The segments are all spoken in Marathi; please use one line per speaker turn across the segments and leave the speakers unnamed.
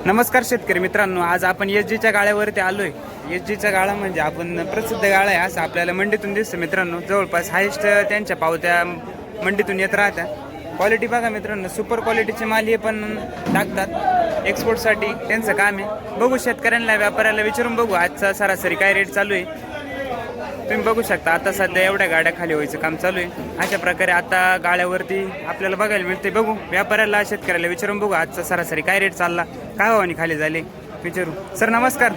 नमस्कार शेतकरी मित्रांनो, आज आपण एसजीच्या गाळ्यावरती आलोय. एसजीचा गाळा म्हणजे आपण प्रसिद्ध गाळा आहे असं आपल्याला मंडीतून दिसतं मित्रांनो. जवळपास हायस्ट त्यांच्या पावत्या मंडीतून येत राहत्या. क्वालिटी बघा मित्रांनो, सुपर क्वालिटीचे माल हे पण टाकतात एक्सपोर्टसाठी, त्यांचं काम आहे. बघू शेतकऱ्यांना व्यापाऱ्याला विचारून बघू आजचा सरासरी काय रेट चालू आहे. तुम्ही बघू शकता आता सध्या एवढ्या गाड्या खाली व्हायचं काम चालू आहे. अशा प्रकारे आता गाड्यावरती आपल्याला बघायला मिळते. बघू व्यापाऱ्याला शेतकऱ्याला विचारून बघू आजचा सरासरी काय रेट चालला, काय भावानी खाली झाले विचारू. सर नमस्कार.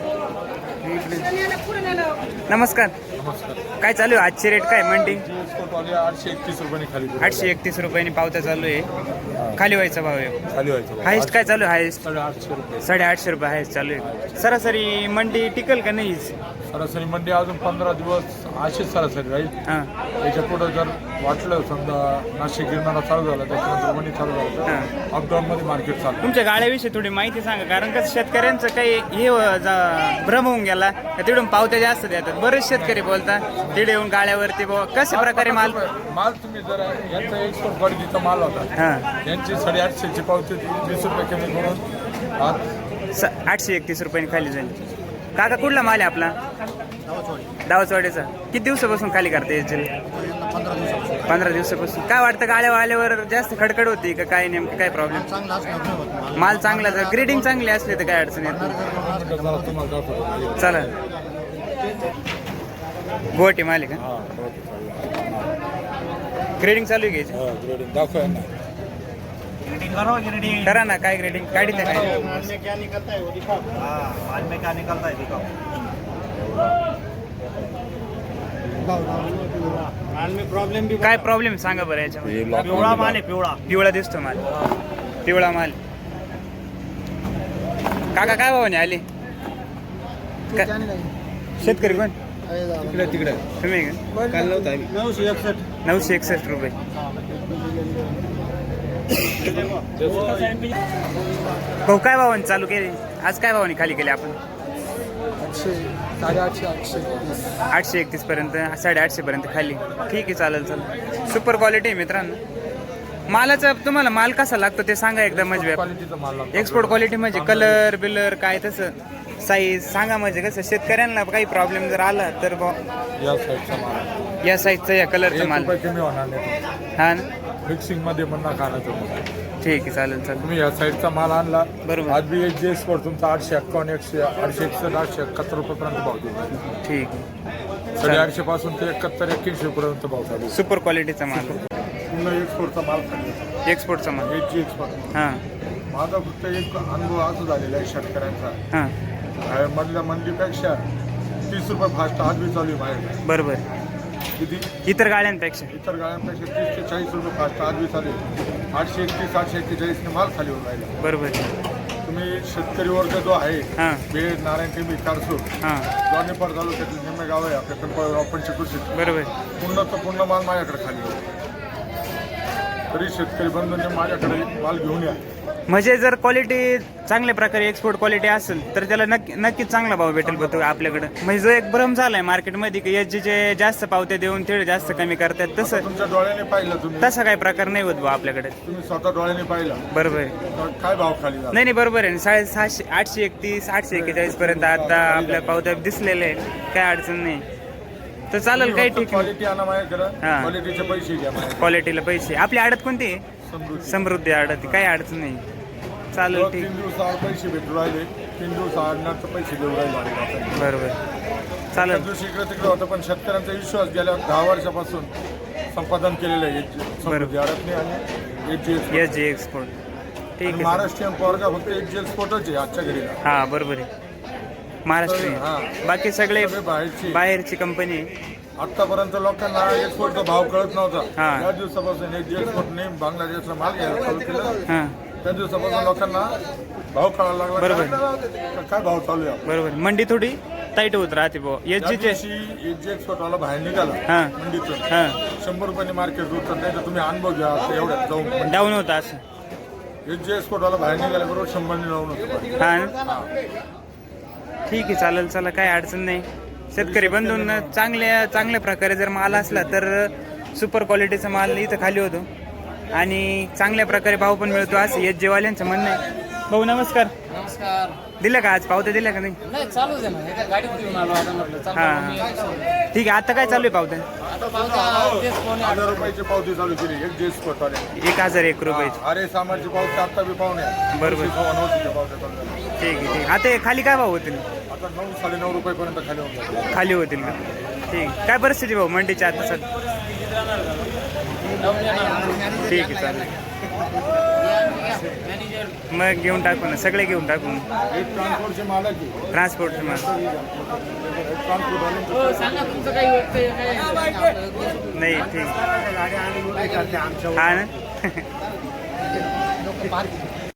नमस्कार. काय चालू आहे आजची रेट काय मंडी?
831 रुपयांनी खाली
831 रुपयांनी पावत्या चालू आहे. खाली व्हायचा भाव आहे.
खाली व्हायचं
हायस्ट काय चालू आहे? हायस्ट
850 रुपये
850 रुपये हायस्ट चालू आहे. सरासरी मंडी टिकल का नाही?
सरासरी मंडी अजून 15 दिवस अशीच सरासरी राहील.
हां
याच्या पुढे जर वाटलं समजा नाशिक गिरणारा चालू झाला त्याच्यानंतर मंडी चालू झालं तर अपडाऊन मध्ये मार्केट चालू.
तुमच्या गाड्याविषयी थोडी माहिती सांगा, कारण कसं शेतकऱ्यांचं काही हे भ्रम होऊन गेला. तिकडून पावत्या जास्त देतात, बरेच शेतकरी बोलतात तिकडे येऊन गाड्यावरती कशा प्रकारे माल
तुम्ही जर यांचा एक्सपोर्ट क्वालिटीचा माल होता,
हां
यांची 850ची पावती 20 रुपये कमी करून
831 रुपयांनी खाली झाली. काका कुठला माल आहे आपला? दावचवाडीचा. किती दिवसापासून खाली करते एसजील? 15 दिवसापासून. काय वाटतं गाड्या आल्यावर जास्त खडखड होती का काय, नेमकं काय प्रॉब्लेम? माल चांगला जर ग्रेडिंग चांगली असली तर काय अडचण येत नाही. चला गुवाहाटी माल आहे का? ग्रेडिंग चालू आहे घ्यायची?
दाखवा
करा ना. काय ग्रेडिंग काढी ते काय? काय प्रॉब्लेम सांगा बरं याच्यामध्ये?
पिवळा माल आहे.
पिवळा दिसतो माल, पिवळा माल. काका काय भावाने आले? शेतकरी कोण?
तिकडे
तुम्ही का? 961 रुपये. हो काय भावाने चालू केले आज? काय भावाने खाली केले आपण? 831 पर्यंत, 850 पर्यंत खाली. ठीक आहे, चालेल चालेल. सुपर क्वालिटी आहे मित्रांनो. मालाचा तुम्हाला माल कसा लागतो ते सांगा एकदा. म्हणजे
क्वालिटीचा माल लागतो.
एक्सपोर्ट क्वालिटी म्हणजे कलर बिलर काय तसं साईज सांगा. म्हणजे कसं शेतकऱ्यांना काही प्रॉब्लेम जर आला तर
या साईडचा माल,
या साईजचा या कलरचा माल.
कमी होणार नाही.
हा ना,
मिक्सिंग मध्ये पण ना खाण्याचं.
ठीक आहे, चालेल चालेल.
तुम्ही या साईडचा माल आणला
बरोबर.
आज बी एच एक्सपोर्ट तुमचा 851 861 871 रुपयेपर्यंत भाव देऊ.
ठीक आहे.
850 पासून ते 71 81 पर्यंत भाव चालू.
सुपर क्वालिटीचा माल,
पूर्ण एक्सपोर्टचा माल खाली.
एक्सपोर्टचा माल.
एच एक्सपोर्ट.
हां
माझा फक्त एक अनुभव असं झालेला आहे शेतकऱ्यांचा.
हां
मधल्या मंडीपेक्षा 30 रुपये फास्ट आज बी चालू आहे बाहेर.
बरोबर.
किती
इतर गाड्यांपेक्षा
इतर गाड्यांपेक्षा 30 ते 40 रुपये फास्ट आज बी चालू आहे. 831 841 ने माल खाली होऊन राहिला.
बरोबर.
तुम्ही शेतकरी वर्ग जो आहे,
हां
बेड नारायण टेंबी कारसूर
हां
दोन्हीपर तालुक्यातील निम्मे गाव आहे आपल्या पिंपळ पंचकृषी.
बरोबर.
पूर्ण माल माझ्याकडे खाली आहे. तरी शेतकरी बंधूंनी माझ्याकडे माल घेऊन या.
म्हणजे जर क्वालिटी चांगल्या प्रकारे एक्सपोर्ट क्वालिटी असेल तर त्याला नक्कीच चांगला भाव भेटेल बघतो आपल्याकडे. म्हणजे जो एक भ्रम झालाय मार्केटमध्ये की एसजीचे जास्त पावत्या देऊन ते जास्त कमी करतात, तसं
तुमच्या डोळ्याने पाहिलं तुम्ही,
तसा काही प्रकार नाही होत भाऊ आपल्याकडे.
तुम्ही स्वतः डोळ्याने पाहिलं.
बरोबर आहे.
तर काय भाव खाली झाला?
नाही बरोबर आहे. 750 831 841 पर्यंत आता आपल्या पावत्या दिसलेले आहे, काय अडचण नाही. तर चालेल, काही ठीक आहे.
क्वालिटी आणा माझ्याकडे,
हां.
क्वालिटीचे पैसे घ्या माझ्याकडे.
क्वालिटीला पैसे. आपली आडत कोणती आहे? समृद्धी आडत. काही अडचण नाही, चालेल ठीक.
3 दिवसाआड पैसे भेटू राहिले, 3 दिवसाआड पैसे देऊ राहिले.
बरोबर,
त्या
चालेल.
दिवशी इकडे तिकडे होतं पण शेतकऱ्यांचा विश्वास गेल्या 10 वर्षापासून संपादन केलेलं आहे समृद्धी आडतने आणि
एस जी एक्सपोर्ट. ठीक आहे.
महाराष्ट्रीयन पोरगा फक्त एच एक्सपोर्टच आहे आजच्या घडीला.
हां बरोबर आहे. महाराष्ट्रीयन, बाकी सगळे बाहेरची कंपनी आहे.
आतापर्यंत लोकांना एक्सपोर्टचा भाव कळत नव्हता.
हां.
त्या दिवसापासून एच एक्सपोर्टने बांगलादेशला माल घ्यायला चालू केलं.
हां
त्या दिवसापासून लोकांना भाव कळायला लागला.
बरोबर.
काय भाव चालू आहे
बरोबर. मंडी थोडी टाईट होत राहते भाऊ एसजीचे.
एच एक्सपोर्टवाला बाहेर निघाला
हां
मंडीतून,
हां
100 रुपयांनी मार्केट उतरत नाही तर तुम्ही अनुभव घ्या. एवढ्यात जाऊन
डाऊन होता असं.
एच एक्सपोर्टवाला बाहेर निघाला बरोबर 100 लावून होतो.
हां ठीक आहे, चालेल. चला काही अडचण नाही. शेतकरी बंधून चांगल्या प्रकारे जर माल असला तर सुपर क्वालिटीचा माल इथं खाली होतो. आणि चांगल्या प्रकारे भाव पण मिळतो असं एस जेवाल्यांचं म्हणणं आहे. भाऊ नमस्कार.
नमस्कार.
दिलं का आज पावत्या दिल्या का नाही?
नाही चालूच आहे ना, एका गाडीत घेऊन आलो आता म्हटलं
हा.
चालू मी आता
ठीक आहे, आता काय चालू आहे पावत्या?
पावत्या तेच कोणी
1000 रुपयाची पावती चालू केली एक जे स्पॉट आले
1001 रुपयाची.
अरे सामानची पावती आता बी पाहुणे
बरोबर.
नऊशेच्या पावत्या चालू झाल्या.
ठीक आहे ठीक आहे. आता हे खाली काय भाव होतील?
आता 9 9.5 रुपयापर्यंत खाली होऊन जाते.
खाली होतील का? ठीक आहे. काय परिस्थिती भाऊ मंडीच्या आता सर? ठीक आहे चालेल. मग घेऊन टाकू ना, सगळे घेऊन टाकू ना.
एक ट्रान्सपोर्टचे मालक आहे.
ट्रान्सपोर्टचं मग
ट्रान्सपोर्ट वाले
हो, सांगा तुमचं काही वाटतंय काय
नाही ठीक.
गाडी आणि
हा ना.
पार्किंग